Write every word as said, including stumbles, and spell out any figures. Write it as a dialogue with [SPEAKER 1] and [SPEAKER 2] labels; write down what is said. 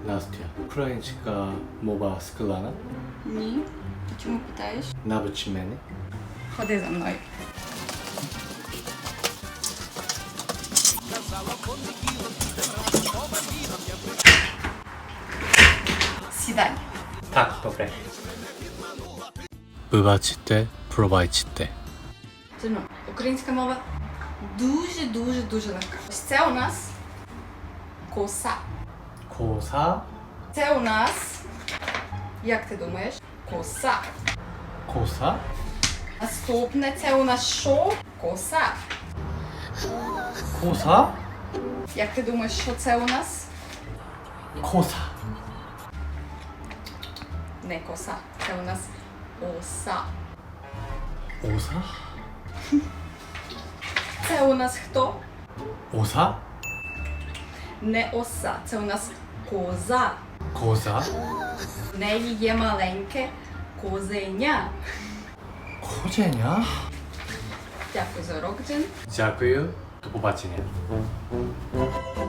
[SPEAKER 1] Настя, українська мова складна?
[SPEAKER 2] Ні. Чому питаєш?
[SPEAKER 1] Навич мене.
[SPEAKER 2] Ходи за мною. Сідай.
[SPEAKER 1] Так, добре. Вибачте, пробачте.
[SPEAKER 2] Сину, українська мова дуже-дуже-дуже легка. Ось це у нас коса.
[SPEAKER 1] Коса,
[SPEAKER 2] Це у нас, як ти думаєш, коса.
[SPEAKER 1] коса,
[SPEAKER 2] Наступне це у нас що? Коса.
[SPEAKER 1] коса,
[SPEAKER 2] Як ти думаєш, що це у нас?
[SPEAKER 1] коса.
[SPEAKER 2] Не коса. Це у нас оса.
[SPEAKER 1] Оса,
[SPEAKER 2] Це у нас хто?
[SPEAKER 1] оса,
[SPEAKER 2] Не оса. Це у нас коза.
[SPEAKER 1] коза,
[SPEAKER 2] В неї є маленьке козеня.
[SPEAKER 1] козеня.
[SPEAKER 2] Дякую за урок, Джин.
[SPEAKER 1] Дякую. До побачення.